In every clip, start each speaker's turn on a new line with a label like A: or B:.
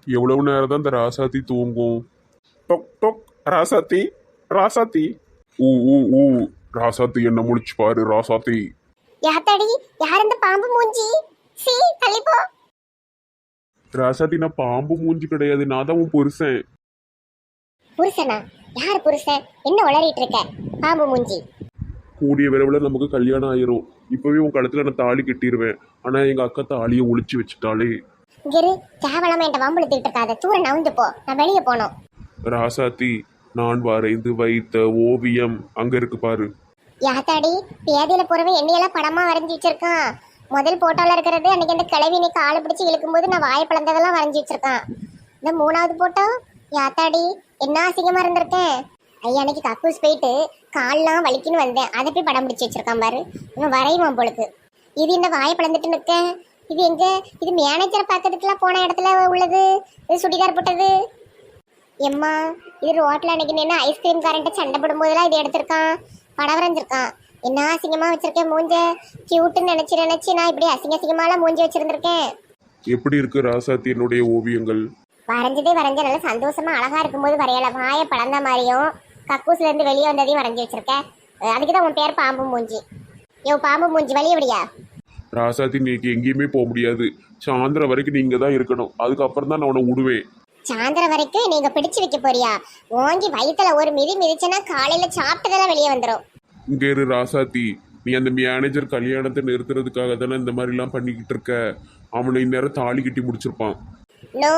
A: எவ்வளவு நேரம் தான் இந்த ராசாத்தி தூங்கும்? டொக் டொக். ராசாத்தி, ராசாத்தி. ஊ ஊ ஊ. ராசாத்தி என்ன முடிச்சு பாரு ராசாத்தி.
B: யாத்தாடி, யார் இந்த பாம்பு மூஞ்சி? சீ, தள்ளிப்போ.
A: ராசாத்தி, நான் பாம்பு மூஞ்சி கிடையாது, நான் தான் உன் புருஷன்.
B: புருஷனா? யார் புருஷன்? என்ன உளறிட்டு இருக்க? பாம்பு மூஞ்சி.
A: கூடிய விரைவில் நமக்கு கல்யாணம் ஆயிரும். இப்பவே உன் கழுத்துல நான் தாலி கட்டிடுவேன். ஆனா எங்க அக்கா தாலியை ஒளிச்சு வச்சுட்டாலே.
B: இரு, கேவலமா என்கிட்ட வம்புழுத்திட்டு இருக்காத. தூர நவுந்து போ, நான் வெளியே போனோம்.
A: ராசாத்தி, நான் வரைந்து வைத்த ஓவியம் அங்க இருக்கு பாரு.
B: யாத்தாடி, பேதியில போறவன் என்னையெல்லாம் படமா வரைஞ்சி வச்சிருக்கான். முதல் போட்டோல இருக்கிறது அன்னைக்கு அந்த கிழவி நீ காலை பிடிச்சி இழுக்கும்போது நான் வாயை பிளந்ததெல்லாம் வரைஞ்சி வச்சிருக்கான். இந்த மூணாவது போட்டோ, யாத்தாடி என்ன அசிங்கமா இருந்திருக்கேன். ஐயா, அன்னைக்கு கக்கூஸ் போயிட்டு கால்லாம் வலிக்குன்னு வந்தேன், அதை போய் படம் பிடிச்சி வச்சிருக்கான் பாரு. இவன் வரையுவான் பொழுது. இது இந்த வாயை பிளந்துட்டு நிற்கேன். இது எங்க? இது மேனேஜரை பார்க்கறதுக்குலாம் போன இடத்துல உள்ளது. இது சுடிதார் போட்டது. எம்மா, இது ரோட்ல அன்னைக்கு நின்று ஐஸ்கிரீம் காரன்ட்ட சண்டை போடும்போதெல்லாம் இது எடுத்திருக்கான், படம் வரைஞ்சிருக்கான். என்ன அசிங்கமா வச்சிருக்கேன் மூஞ்ச. கியூட்டுன்னு நினைச்சு நான் இப்படி அசிங்கமாலாம் மூஞ்சி வச்சிருந்திருக்கேன்.
A: எப்படி இருக்கு ராசாத்தி என்னுடைய ஓவியங்கள்?
B: வரைஞ்ச நல்ல சந்தோஷமா அழகா இருக்கும்போது வரையல, வாயை பழந்த மாதிரியும் கக்கூஸ்ல இருந்து வெளியே வந்ததையும் வரைஞ்சி வச்சிருக்கேன். அதுக்குதான் உன் பேர் பாம்பு மூஞ்சி. யோ பாம்பு மூஞ்சி, வெளியே விடியா.
A: ராசாத்தி, நீக்கு எங்கேயுமே போக முடியாது. சாயந்தரம் வரைக்கும் நீங்க தான் இருக்கணும். அதுக்கப்புறம் தான் நான் உன்னை விடுவேன்.
B: சாயந்தரம் வரைக்கும் நீங்க பிடிச்சு வைக்க போறியா? ஓங்கி வயிற்றுல ஒரு மிதிச்சனா காலையில சாப்பிட்டதெல்லாம் வெளியே வந்துடும்.
A: இங்க இரு ராசாத்தி, நீ அந்த மேனேஜர் கல்யாணத்தை நிறுத்துறதுக்காக தானே இந்த மாதிரி எல்லாம் பண்ணிக்கிட்டு இருக்க. அவனை இந்நேரம் தாலி கட்டி முடிச்சிருப்பான்.
B: நோ,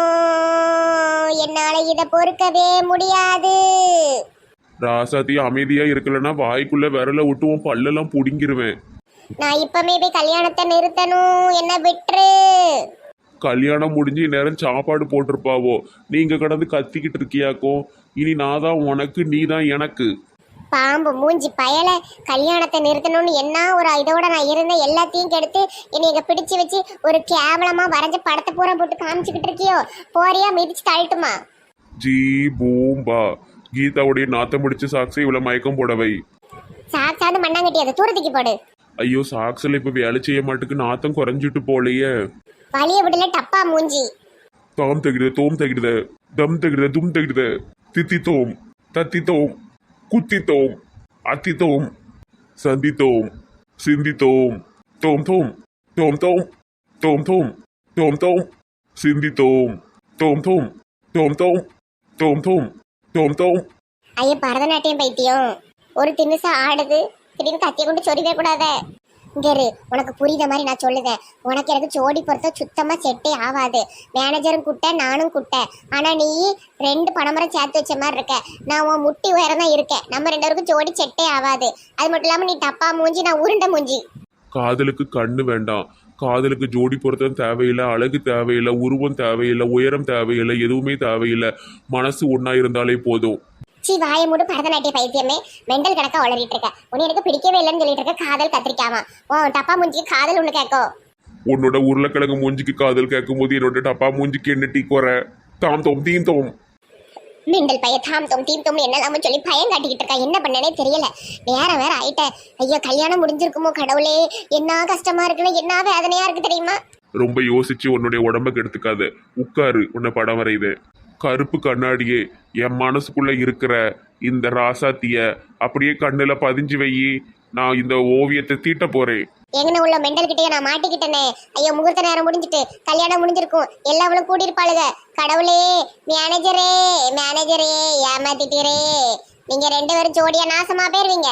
B: என்னால இத பொறுக்கவே முடியாது.
A: ராசாத்தி, அமைதியா இருக்கலன்னா வாய்க்குள்ள விரல விட்டு உன் பல்லெல்லாம் புடுங்கிருவேன்.
B: நான் இப்பமே போய் கல்யாணத்தை நிறுத்தணும், என்ன விட்டுரு.
A: கல்யாணம் முடிஞ்சு இந்நேரம் சாப்பாடு போட்டிருப்பாவோ, நீங்க கடந்து கத்திக்கிட்டு இருக்கியாக்கோ. இனி நான் தான் உனக்கு, நீ தான் எனக்கு.
B: பாம்பு மூஞ்சி பயல, கல்யாணத்தை நிறுத்தணும்னு என்ன ஒரு இதோட நான் இருந்த எல்லாத்தையும் கெடுத்து என்னை இங்க பிடிச்சு வச்சு ஒரு கேவலமா வரைஞ்ச படத்தை பூரா போட்டு காமிச்சுக்கிட்டு இருக்கியோ. போறியா, மிதிச்சு தள்ளட்டுமா?
A: ஜீ பூம்பா. கீதாவுடைய நாத்தம் முடிச்சு சாக்ஸை இவ்வளவு மயக்கம் போடவை.
B: சாக்ஸாவது மண்ணாங்கட்டி, அதை தூரத்துக்கு போடு.
A: ஐயோ, சாக்ஸ்ல இப்ப வேலை செய்ய மாட்டுக்கு, நாத்தம் குறைஞ்சிட்டு போலையே.
B: வழிய விடல டப்பா மூஞ்சி.
A: தாம் தகிடுத, தோம் தகிடுத, தம் தகிடுத, தும் தகிடுத, தித்தி தோம், தத்தி தோம், குத்தி தோம், அத்தி தோம், சந்தி தோம், சிந்தி தோம், தோம் தோம், தோம் தோம், தோம் தோம், தோம் தோம், சிந்தி தோம், தோம் தோம், தோம் தோம், தோம் தோம், தோம் தோம்.
B: ஐயா, பரதநாட்டியம் பைத்தியம். ஒரு திமிசா ஆடுது, திடீர்னு கத்திய கொண்டு சொறிவே கூடாத. இங்க இரு, உனக்கு புரியுத மாதிரி நான் சொல்லுதேன். உனக்கு எனக்கு ஜோடி பொறுத்த சுத்தமா செட்டே ஆகாது. மேனேஜரும் குட்ட, நானும் குட்ட. ஆனா நீ 2 பணமரம் சேர்த்து வச்ச மாதிரி இருக்க. நான் உன் முட்டி உயரம் தான் இருக்கேன். நம்ம 2 பேருக்கும் ஜோடி செட்டே ஆகாது. அது மட்டும் இல்லாம நீ டப்பா மூஞ்சி, நான் உருண்டை மூஞ்சி.
A: காதலுக்கு கண்ணு வேண்டாம். காதலுக்கு ஜோடி பொருத்தம் தேவையில்லை, அழகு தேவையில்லை, உருவம் தேவையில்லை, உயரம் தேவையில்லை, எதுவுமே தேவையில்லை. மனசு ஒன்னா இருந்தாலே போதும்.
B: சி, வாய மூடு பரதநாட்டிய பைத்தியமே. மெண்டல் கணக்கா உளறிட்டு இருக்க. உன்னை எனக்கு பிடிக்கவே இல்லைன்னு சொல்லிட்டு இருக்க. காதல் கத்திரிக்காமா உன் டப்பா மூஞ்சிக்கு காதல் ஒண்ணு கேட்கும்.
A: உன்னோட உருளைக்கிழங்கு மூஞ்சிக்கு காதல் கேட்கும் போது என்னோட டப்பா மூஞ்சிக்கு என்ன டீ குறை? தாம் தோம் தீம் தோம்.
B: மிண்டல் பைய தாம் தோம் தீம் தோம் என்னெல்லாம சொல்லி பயம் காட்டிக்கிட்டு இருக்கா. என்ன பண்ணனே தெரியல. வேற ஆயிட்ட. ஐயோ, கல்யாணம் முடிஞ்சிருக்குமோ கடவுளே. என்ன கஷ்டமா இருக்குன்னு, என்ன வேதனையா இருக்கு தெரியுமா?
A: ரொம்ப யோசிச்சு உன்னுடைய உடம்ப கெடுத்துக்காத. உட்காரு, உன்னை படம் வரையுது. கருப்பு கண்ணாடியே, என் மனசுக்குள்ள இருக்கிற இந்த ராசாத்திய அப்படியே கண்ணுல பதிஞ்சு வை. நான் இந்த ஓவியத்தை தீட்ட போறேன்.
B: எங்கன உள்ள மெண்டல் கிட்டே நான் மாட்டிக்கிட்டேனே. ஐயோ, முகூர்த்த நேரம் முடிஞ்சிட்டு கல்யாணம் முடிஞ்சிருக்கும். எல்லாவளும் கூடியிருப்பாளுங்க. கடவுளே, மேனேஜரே மேனேஜரே, ஏமாத்திட்டீரே. நீங்க 2 பேரும் ஜோடியா நாசமா போயிருவீங்க.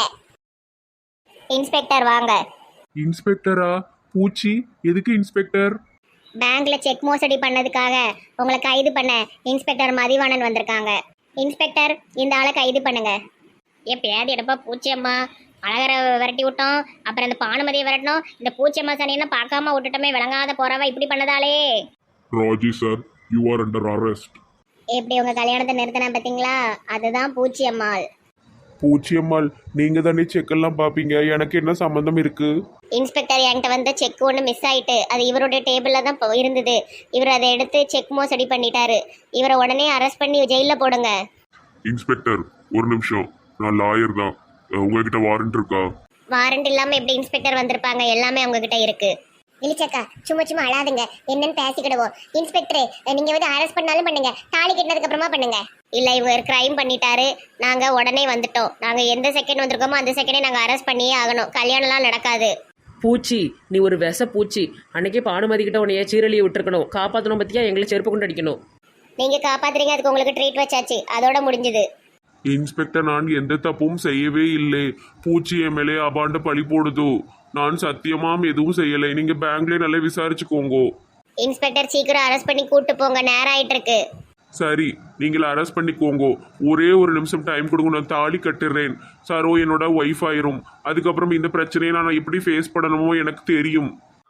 B: இன்ஸ்பெக்டர் வாங்க.
A: இன்ஸ்பெக்டரா? பூச்சி, எதுக்கு இன்ஸ்பெக்டர்?
B: பேங்க்ல செக் மோசடி பண்ணதுக்காக உங்களை கைது பண்ண இன்ஸ்பெக்டர் மதிவாணன் வந்திருக்காங்க. இன்ஸ்பெக்டர், இந்த ஆளை கைது பண்ணுங்க. ஏன் பேதி எடுப்பா பூச்சியம்மா. அழகரை விரட்டி விட்டோம், அப்புறம் இந்த பானுமதியை விரட்டணும். இந்த பூச்சியம்மா சனியெல்லாம் பார்க்காம விட்டுட்டோமே, விளங்காத போறவா இப்படி பண்ணதாலே.
A: Raji sir, you are under arrest.
B: எப்படி உங்க கல்யாணத்தை நிறுத்தினா பார்த்தீங்களா? அதுதான் பூச்சியம்மாள்.
A: பூச்சியம்மாள், நீங்க தானே செக்கெல்லாம் பாப்பீங்க, எனக்கு என்ன சம்பந்தம் இருக்கு?
B: இன்ஸ்பெக்டர், என்கிட்ட வந்த செக் ஒன்று மிஸ் ஆயிட்டு, அது இவருடைய டேபிளில் தான் இருந்தது. இவர் அதை எடுத்து செக் மோசடி பண்ணிட்டாரு. இவரை உடனே அரெஸ்ட் பண்ணி ஜெயிலில் போடுங்க.
A: இன்ஸ்பெக்டர், ஒரு நிமிஷம், நான் லாயர் தான். உங்ககிட்ட வாரண்ட் இருக்கா?
B: வாரண்ட் இல்லாமல் எப்படி இன்ஸ்பெக்டர் வந்திருப்பாங்க? எல்லாமே அவங்க கிட்ட இருக்கு. இழிச்சக்கா சும்மா சும்மா அழாதுங்க, என்னன்னு பேசிக்கிடுவோம். இன்ஸ்பெக்டர் நீங்க வந்து அரெஸ்ட் பண்ணாலும் பண்ணுங்க, தாலி கட்டினதுக்கு அப்புறமா பண்ணுங்க. இல்ல இவங்க கிரைம் பண்ணிட்டாரு, நாங்க உடனே வந்துட்டோம். நாங்க எந்த செகண்ட் வந்திருக்கோமோ அந்த செகண்டே நாங்க அரெஸ்ட் பண்ணியே ஆகணும். கல்யாணம்லாம் நடக்காது.
C: பூச்சி, நீ ஒரு விச பூச்சி. அன்னைக்கே பானுமதி கிட்ட உன்னைய சீரழியை விட்டுருக்கணும். காப்பாற்றணும் பத்தியா எங்களை செருப்பு கொண்டு அடிக்கணும்.
B: நீங்க காப்பாத்துறீங்க, அதுக்கு உங்களுக்கு ட்ரீட் வச்சாச்சு, அதோட முடிஞ்சது.
A: இன்ஸ்பெக்டர், நான் எந்த தப்பும் செய்யவே இல்லை. பூச்சி எம்எல்ஏ அபாண்ட பழி போடுது. நான் சத்தியமாம் எதுவும் செய்யலை. நீங்க பேங்க்ல நல்லா விசாரிச்சுக்கோங்க.
B: இன்ஸ்பெக்டர் சீக்கிரம் அரெஸ்ட் பண்ணி கூட்டு போங்க, நேரம் ஆயிட்டு இருக்கு.
A: சரி, நீங்கள் அரெஸ்ட் பண்ணிக்கோங்க. ஒரே ஒரு நிமிஷம் டைம் கொடுங்க, நான் தாலி கட்டுறேன். சரோ என்னோட ஒய்ஃப் ஆயிரும். அதுக்கப்புறம் இந்த பிரச்சனையை நான் எப்படி ஃபேஸ் பண்ணணுமோ எனக்கு தெரியும்.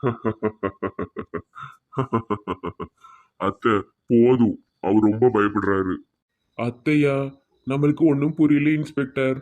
A: அத்தை போதும், அவர் ரொம்ப பயப்படுறாரு. அத்தையா, நம்மளுக்கு ஒன்றும் புரியல இன்ஸ்பெக்டர்.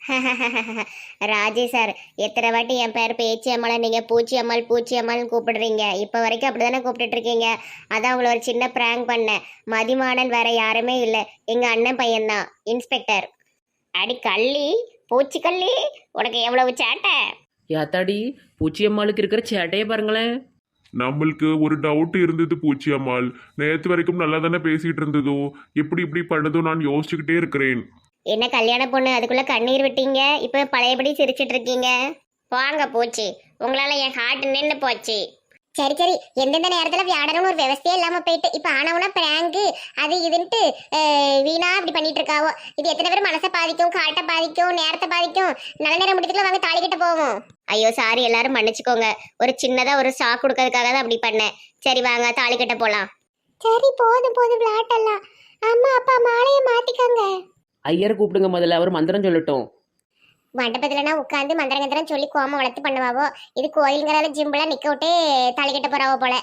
B: ராஜி சார், எத்தனை வாட்டி என் பேர் பேச்சி அம்மாளை நீங்க பூச்சி அம்மாள் பூச்சி அம்மாள்னு கூப்பிடுறீங்க. இப்போ வரைக்கும் அப்படிதானே கூப்பிட்டுட்டு இருக்கீங்க. அதான் உங்களை ஒரு சின்ன பிராங்க் பண்ணேன். மதிமானன் வேற யாருமே இல்லை, எங்க அண்ணன் பையன்தான் இன்ஸ்பெக்டர். அடி கள்ளி, பூச்சி கள்ளி, உனக்கு எவ்வளவு சேட்டை.
C: ஏத்தாடி, பூச்சி அம்மாளுக்கு இருக்கிற சேட்டையை பாருங்களேன்.
A: நம்மளுக்கு ஒரு டவுட் இருந்தது பூச்சி அம்மாள். நேற்று வரைக்கும் நல்லா தானே பேசிட்டு இருந்ததோ, எப்படி இப்படி பண்ணதோ நான் யோசிச்சுக்கிட்டே இருக்கிறேன்.
B: என்ன கல்யாண பொண்ணு அதுக்குள்ள கண்ணீர் விட்டீங்க, இப்போ பழையபடி சிரிச்சிட்டு இருக்கீங்க. வாங்க பூச்சி, உங்களால என் ஹார்ட் நின்று போச்சு. சரி சரி, எந்தெந்த நேரத்துல வியாடனும் ஒரு விவசாயம் இல்லாம போயிட்டு இப்ப ஆனவுனா பிராங்கு அது இதுன்ட்டு வீணா இப்படி பண்ணிட்டு இருக்காவோ. இது எத்தனை பேர் மனசை பாதிக்கும், காட்டை பாதிக்கும், நேரத்தை பாதிக்கும். நல்ல நேரம் முடிக்கிறதுல வாங்க தாலி கிட்ட போவோம். ஐயோ சாரி, எல்லாரும் மன்னிச்சுக்கோங்க. ஒரு சின்னதா ஒரு ஷாக் கொடுக்கறதுக்காக தான் அப்படி பண்ணேன். சரி வாங்க தாலி கிட்ட போலாம். சரி போதும் போதும் விளையாட்டெல்லாம். அம்மா அப்பா மாலையை மாத்திக்கோங்க.
C: ஐயரை கூப்பிடுங்க முதல்ல, அவர் மந்திரம் சொல்லட்டும்.
B: மண்டபத்துலனா உட்காந்து மந்திரங்கந்திரம் சொல்லி கோமம் வளர்த்து பண்ணுவாவோ. இது கோயிலுங்கிறால ஜிம்பிளா நிக்க விட்டு தாலி கட்ட போறாவோ போல.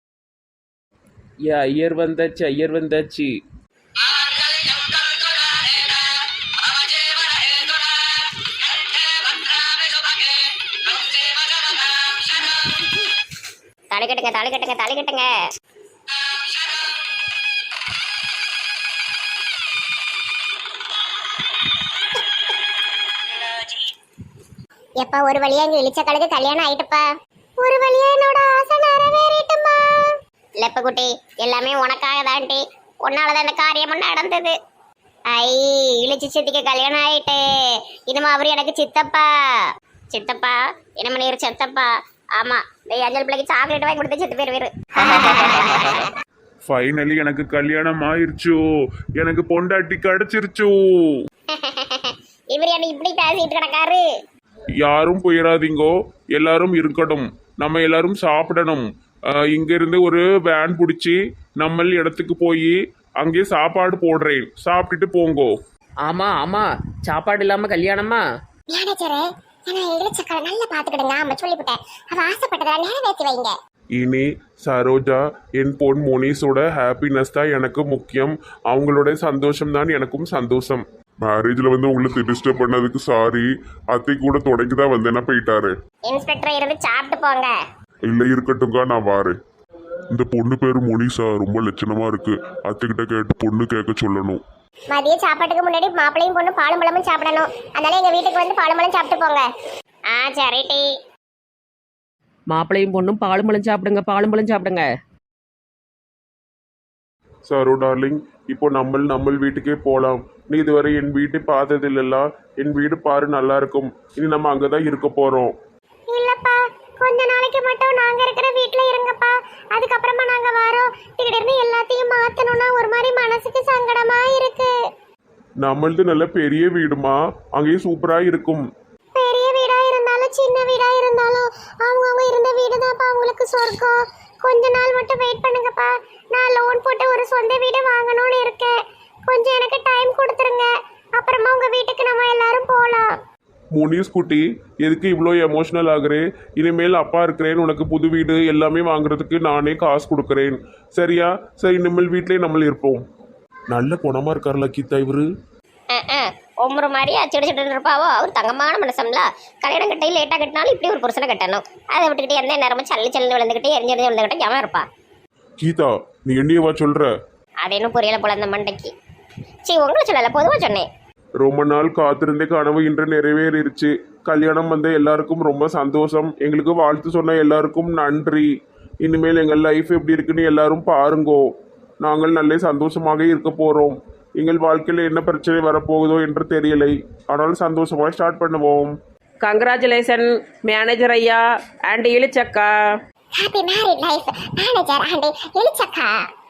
C: ஏ ஐயர் வந்தாச்சு, ஐயர் வந்தாச்சு.
B: தாலி கட்டுங்க தாலி கட்டுங்க தாலி கட்டுங்க. எப்பா ஒரு வழியா இங்க இழிச்ச கழுகு கல்யாணம் ஆயிட்டுப்பா. ஒரு வழியா என்னோட ஆசை நிறைவேறிட்டுமா. லெப்ப குட்டி, எல்லாமே உனக்காக தான்டி, உன்னாலதான் இந்த காரியம் நடந்தது. ஐ இழிச்சு சித்திக்கு கல்யாணம் ஆயிட்டு. இனிமே அவரு எனக்கு சித்தப்பா. சித்தப்பா என்ன பண்ணிரு சித்தப்பா. ஆமா, இந்த அஞ்சல் பிள்ளைக்கு சாக்லேட் வாங்கி கொடுத்து சித்து பேர் வேறு.
A: ஃபைனலி எனக்கு கல்யாணம் ஆயிருச்சோ, எனக்கு பொண்டாட்டி கிடைச்சிருச்சோ.
B: இவர் என்ன இப்படி பேசிட்டு கிடக்காரு.
A: யாரும் போயிடாதீங்கோ, எல்லாரும் இருக்கணும். நம்ம எல்லாரும் சாப்பிடணும். இங்கிருந்து ஒரு வேன் பிடிச்சி நம்ம இடத்துக்கு போய் அங்கே சாப்பாடு போடுறேன், சாப்பிட்டுட்டு போங்கோ.
C: ஆமா ஆமா, சாப்பாடு இல்லாம கல்யாணமா?
B: மேனேஜரே, நான் இழிச்சக்கலை நல்லா பாத்துக்கிடுங்க. அம்மா சொல்லிவிட்டேன், அவ ஆசைப்பட்டதா நிறைவேற்றி வைங்க.
A: இனி சரோஜா, என் பொன் மோனிஸோட ஹாப்பினஸ் தான் எனக்கு முக்கியம். அவங்களோட சந்தோஷம் தான் எனக்கும் சந்தோஷம். மேரேஜ்ல வந்து உங்களுக்கு டிஸ்டர்ப் பண்ணதுக்கு சாரி. அத்தை கூட தொடங்கி தான் வந்தேன்னா போயிட்டாரு.
B: இன்ஸ்பெக்டர் இருந்து சாப்பிட்டு போங்க.
A: இல்லை இருக்கட்டும்க்கா, நான் வாரேன். இந்த பொண்ணு பேரு மோனிஷா, ரொம்ப லட்சணமா இருக்கு. அத்தைக்கிட்ட கேட்டு பொண்ணு கேட்க சொல்லணும்.
B: மதிய சாப்பாட்டுக்கு முன்னாடி மாப்பிளையும் பொண்ணு பாலும் பழமும் சாப்பிடணும். அதனால எங்க வீட்டுக்கு வந்து பாலும் பழம் சாப்பிட்டு போங்க. சரி டி.
C: மாப்பிளையும் பொண்ணும் பாலும் பழம் சாப்பிடுங்க, பாலும் பழம் சாப்பிடுங்க.
A: சாரோ டார்லிங், இப்போ நம்ம வீட்டுக்கே போகலாம். நீ இதுவரை என் வீட்டை பார்த்தது இல்லைல்ல. என் வீடு பாரு, நல்லா இருக்கும். இனி நம்ம அங்கதான் இருக்க போறோம்.
B: இல்லப்பா, கொஞ்ச நாளைக்கு மட்டும் நாங்க இருக்கிற வீட்ல இருங்கப்பா. அதுக்கப்புறமா நாங்க வரோம். திடீர்னு எல்லாத்தையும் மாத்தணும்னா ஒரு மாதிரி மனசுக்கு சங்கடமா இருக்கு.
A: நம்மளது நல்ல பெரிய வீடுமா, அங்கேயும் சூப்பரா இருக்கும்.
B: பெரிய வீடா இருந்தாலும் சின்ன வீடா இருந்தாலும் அவங்க இருந்த வீடு தான்ப்பா அவங்களுக்கு சொர்க்கம். கொஞ்ச நாள் மட்டும் வெயிட் பண்ணுங்கப்பா. நான் லோன் போட்டு ஒரு சொந்த வீடு வாங்கணும்னு இருக்கேன். கொஞ்சம் எனக்கு டைம் கொடுத்துருங்க. அப்புறமா உங்க வீட்டுக்கு நம்ம எல்லாரும் போகலாம்.
A: முனிஸ் குட்டி, எதுக்கு இவ்வளோ எமோஷனல் ஆகுறே? இனிமேல் அப்பா இருக்கிறேன், உனக்கு புது வீடு எல்லாமே வாங்குறதுக்கு நானே காசு கொடுக்குறேன். சரியா? சரி, இனிமேல் வீட்லேயே நம்ம இருப்போம். நல்ல குணமா இருக்காருல கீதா இவரு.
B: ஒவ்வொரு மாதிரி அச்சுடிச்சுட்டு இருப்பாவோ. அவர் தங்கமான மனசம்ல. கல்யாணம் கட்டையில் லேட்டாக கட்டினாலும் இப்படி ஒரு புருஷனை கட்டணும். அதை விட்டுக்கிட்டு எந்த நேரமும் சல்லி விழுந்துக்கிட்டு எரிஞ்செறிஞ்சு விழுந்துக்கிட்டு எவன் இருப்பா?
A: கீதா, நீ என்னையவா சொல்ற?
B: அது இன்னும் புரியல போல அந்த மண்டைக்கு. உங்களை சொல்லல, பொதுவாக சொன்னேன்.
A: ரொம்ப நாள் காத்திருந்தே கனவு இன்று நிறைவேறிடுச்சு. கல்யாணம் வந்த எல்லாருக்கும் ரொம்ப சந்தோஷம். எங்களுக்கு வாழ்த்து சொன்ன எல்லாருக்கும் நன்றி. இனிமேல் எங்கள் லைஃப் எப்படி இருக்குன்னு எல்லாரும் பாருங்கோ. நாங்கள் நல்ல சந்தோஷமாக இருக்க போகிறோம். எங்கள் வாழ்க்கையில் என்ன பிரச்சனை வரப்போகுதோ என்று தெரியலை. ஆனால் சந்தோஷமாக ஸ்டார்ட் பண்ணுவோம்.
C: கங்க்ராச்சுலேஷன் மேனேஜர் ஐயா அண்ட் இளிச்சக்கா.
B: Happy married life manager and இளிச்சக்கா.